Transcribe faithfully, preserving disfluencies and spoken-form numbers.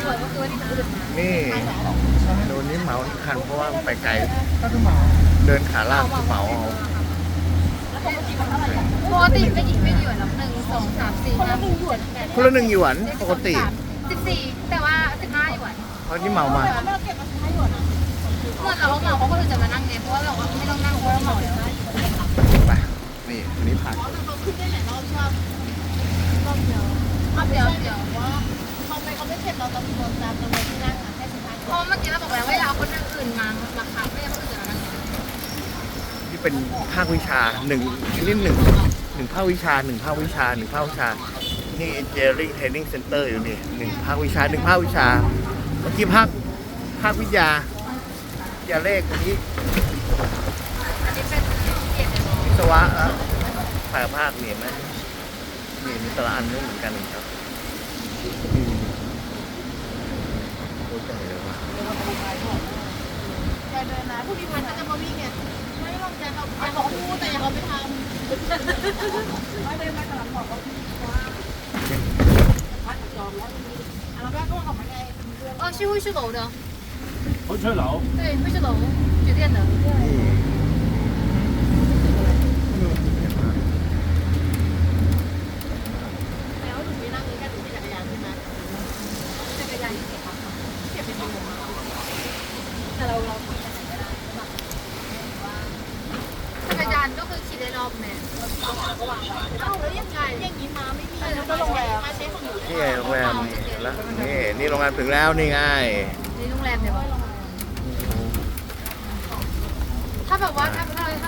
นี่โดนนี้เหมาคันเพราะว่าไปไกลเดินขาลากเหมาเอาปกติไม่หยิบไม่หยวนหรอกหนึ่งสองสามสี่ห้าหกเจ็ดแปดคนละหนึ่งหยวนปกติสิบสี่แต่ว่าสิบห้าหยวนเพราะที่เหมามาเมื่อเราเหมาเขาก็เลยจะมานั่งไงเพราะว่าเราไม่ต้องนั่งเพราะเราเหมาแล้วไปนี่อันนี้ผ่านเขาขึ้นได้หลายรอบชอบรอบเดียวรอบเดียวเดียวว่าเขาไม่เขาไม่เข็ดเราตำรวจตามตำรวจที่นั่งค่ะแค่สิบห้าเพราะเมื่อกี้เราบอกแล้วว่าเราคนอื่นมามาคับไม่ใช่คนอื่นจะมานั่งนี่เป็นภาควิชาหนึ่งนี่หนึ่งหนึ่งภาควิชาหนึ่งภาควิชาหนึ่งภาควิชานี่ Engineering Training Center อยู่นี่หนึ่งภาควิชาหนึ่งภาควิชาเมื่อกี้ภาคภาควิทยาวิทยาเลขวันนี้อันนี้เป็นเกียรติเลยวิศวะแล้วแปลภาคเนี่ยไหมนี่มีแต่ละอันไม่เหมือนกันครับอืมโคตรใหญ่เลยว่ะใจเดินนะผู้พิพัฒน์ก็จะมาวิ่งไงไม่ลองใจเขาใจเขาพูดแต่ยังเขาไม่ทำไม่ได้มาตลาดบอกว่าพัดจองแล้วแล้วแม่ก็ออกมาไง哦，是会是楼的， 回吹樓， 对，会是楼，酒店的。 นี่แล้วหนูไปนั่งนี้กันหนูขี่จักรยานใช่ไหมจักรยานเก็บครับเก็บเป็นตัวแต่เราเราขี่จักรยานจักรยานก็คือขี่ได้รอบแม่เอ้าแล้วยังไงอย่างนี้มาไม่มีแล้วก็โรงแรมมาเช็คของหนูนี่ไงโรงแรมนี่เห็นแล้วนี่นี่โรงแรมถึงแล้วนี่ไงในโรงแรมเดี๋ยวถ้าแบบว่าถ้าถ้าถ้า